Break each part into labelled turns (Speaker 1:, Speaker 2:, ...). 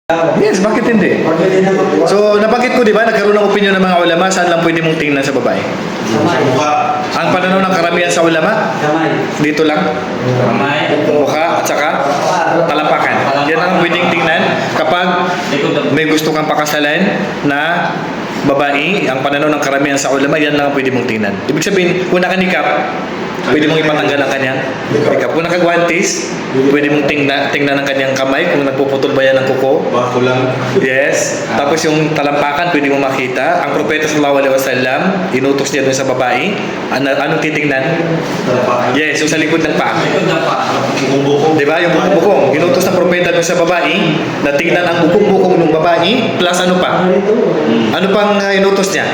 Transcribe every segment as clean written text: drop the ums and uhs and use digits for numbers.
Speaker 1: Yes, bakit hindi? So, nabanggit ko, di ba, nagkaroon ng opinion ng mga ulama, saan lang pwede mong tingnan sa babae? Ang pananaw ng karamihan sa ulama, dito lang, mukha at saka talampakan. Yan ang pwedeng tingnan kapag may gusto kang pakasalan na babae. Ang pananaw ng karamihan sa ulama, yan lang ang pwede mong tingnan. Ibig sabihin, kung nakanikap, pwede mong ipatanggal ang kanyang nikap. Kung nakagwantis, pwede mong tingnan ang kanyang kamay kung nagpuputol ba yan ng kuko.
Speaker 2: Bako lang.
Speaker 1: Yes. Tapos yung talampakan, pwede mo makita. Ang propeta sallallahu alaihi wasallam, inutos niya dun sa babae. Anong titingnan? Yes, yung sa likod ng paa. Diba? Yung bukong-bukong. Inutos ng propeta dun sa babae na tingnan ang bukong-bukong ng babae plus ano pa? Ano pang inutos niya?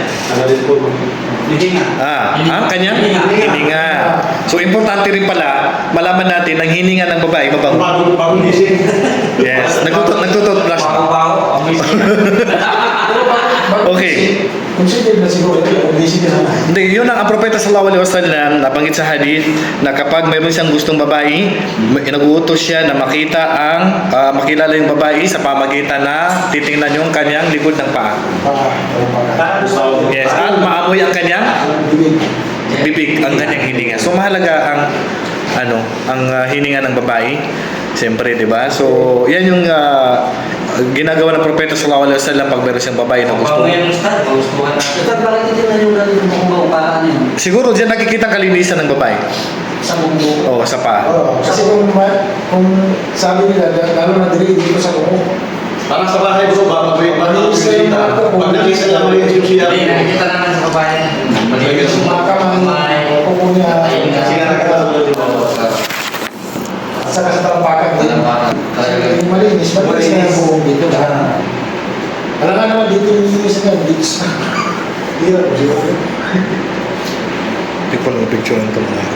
Speaker 1: Ang kanyang hininga. So, importante rin pala, malaman natin ang hininga ng babae, mabango.
Speaker 2: Bagong gising.
Speaker 1: Yes. Nagtututbrush ba? Okay.
Speaker 3: Consider na siguro, gising ka sana.
Speaker 1: Hindi, yun ang propeta sallallahu alaihi wasallam nabanggit sa hadith na kapag mayroon siyang gustong babae, nag-uutos siya na makita makilala yung babae sa pamagitan na titingnan yung kanyang likod ng paa. Yes, at maamoy ang kanyang bibig, ang kanyang hininga. So mahalaga ang hininga ng babae. Siyempre, di ba? So, yan yung ginagawa ng propeta sallallahu alaihi wasallam pag meron siyang babae na gusto. Siguro diyan nakikita ang kalinisan ng babae.
Speaker 3: Sa bunggo.
Speaker 1: Oo, sa paa.
Speaker 3: Kasi kung sabi nila, lalo na dili dito sa bunggo.
Speaker 2: Parang sa bahay bro, baka malinis na yung mga pag nakisa lang malinis yung siya.
Speaker 4: Hindi, nakikita naman sa babae. Malinis yung mga
Speaker 3: Makamang kuko niya.
Speaker 2: Sila nakakasulat yung mga.
Speaker 3: At saka sa talampakan din. Yung malinis na yung buong dito. Alam nga naman dito yung linis na dito sa... Hirap po siguro.
Speaker 1: Hindi ko lang picture ng mga.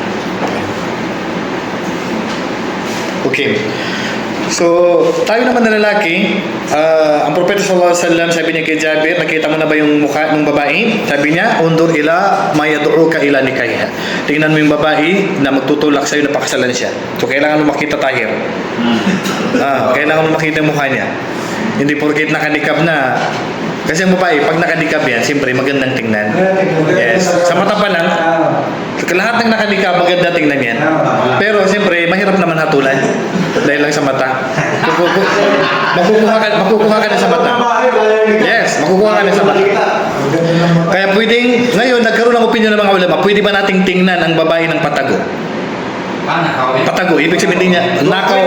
Speaker 1: Okay. So, tayo naman na lalaki, ang propeta sallallahu alaihi wasallam, sabi niya kay Jabir, nakita mo na ba yung mukha ng babae? Sabi niya, undur ila mayad'uka ila nikaiha. Tingnan mo yung babae na magtutulak sa'yo na pakasalan siya. So, kailangan mo makita tahir. Kailangan mo makita yung mukha niya. Hindi porket nakanikab na. Kasi ang babae, pag nakanikab yan, siyempre magandang tingnan. Yes. Sa mata pa lang, lahat ng nakanikab, maganda tingnan yan. Pero siyempre, mahirap naman hatulan. Dahil lang sa mata. Makukuha ka na sa mata. Yes, makukuha ka na sa mata. Kaya pwedeng, ngayon, nagkaroon ng opinion ng mga ulama, pwede ba nating tingnan ang babae ng patago? Patago, ibig sabihin niya,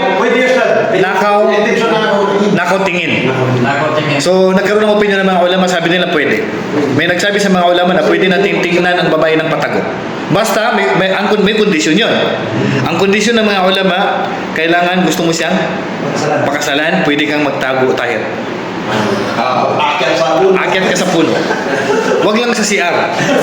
Speaker 1: nakaw tingin. So, nagkaroon ng opinion ng mga ulama, sabi nila pwede. May nagsabi sa mga ulama na pwede nating tingnan ang babae ng patago. Basta, may kondisyon yun. Ang kondisyon ng mga ulama, kailangan gusto mo siyang pakasalan, pwede kang magtago tahir. Akyat ka sa puno. Wag lang sa CR.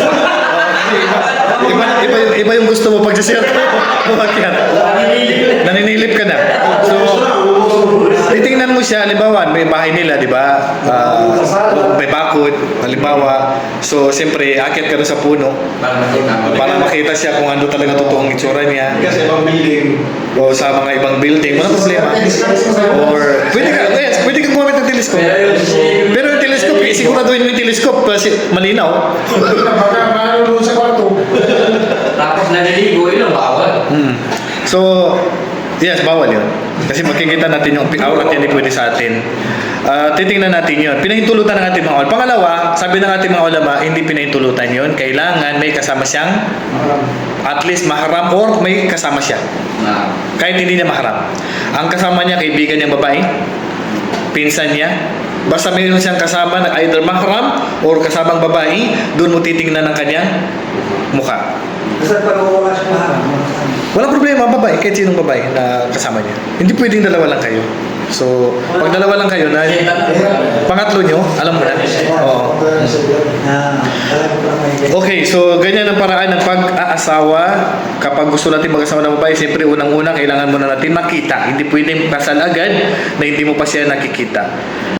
Speaker 1: Iba yung gusto mo pag sa CR. Umakyat. Naninilip ka na. So, titingnan mo siya, halimbawa, may bahay nila, di ba? May bakod, halimbawa. So, siyempre, akyat ka na sa puno para makita siya kung ano talaga totoong itsura niya.
Speaker 2: Kasi ibang building.
Speaker 1: O sa mga ibang building, walang problema. Or, pwede kang gumamit ng telescope. Pero yung telescope, siguraduhin mo yung telescope kasi malinaw.
Speaker 3: Baka maano sa kwarto.
Speaker 4: Tapos naliligo, yun ang bawal.
Speaker 1: So, yes, bawal yun. Kasi makikita natin yung aurat yan, hindi pwede sa atin. Titingnan natin yun. Pinahintulutan ng ating mga ulama. Pangalawa, sabi ng ating mga ulama, hindi pinahintulutan yun. Kailangan may kasama siyang at least maharam or may kasama siya. Kahit hindi niya maharam. Ang kasama niya, kaibigan niyang babae, pinsan niya, basta mayroon siyang kasama na either mahram or kasamang babae, doon mo titingnan ang kanyang mukha.
Speaker 3: Basta pag wala siya maharap.
Speaker 1: Walang problema, babae, kahit sinong babae na kasama niya. Hindi pwedeng dalawa lang kayo. So, pag dalawa lang kayo, na pangatlo nyo, alam mo na. Oo. Okay, so ganyan ang paraan ng pag-aasawa. Kapag gusto natin mag-asawa ng babae, siyempre unang-una, kailangan muna natin makita. Hindi pwedeng kasal agad na hindi mo pa siya nakikita.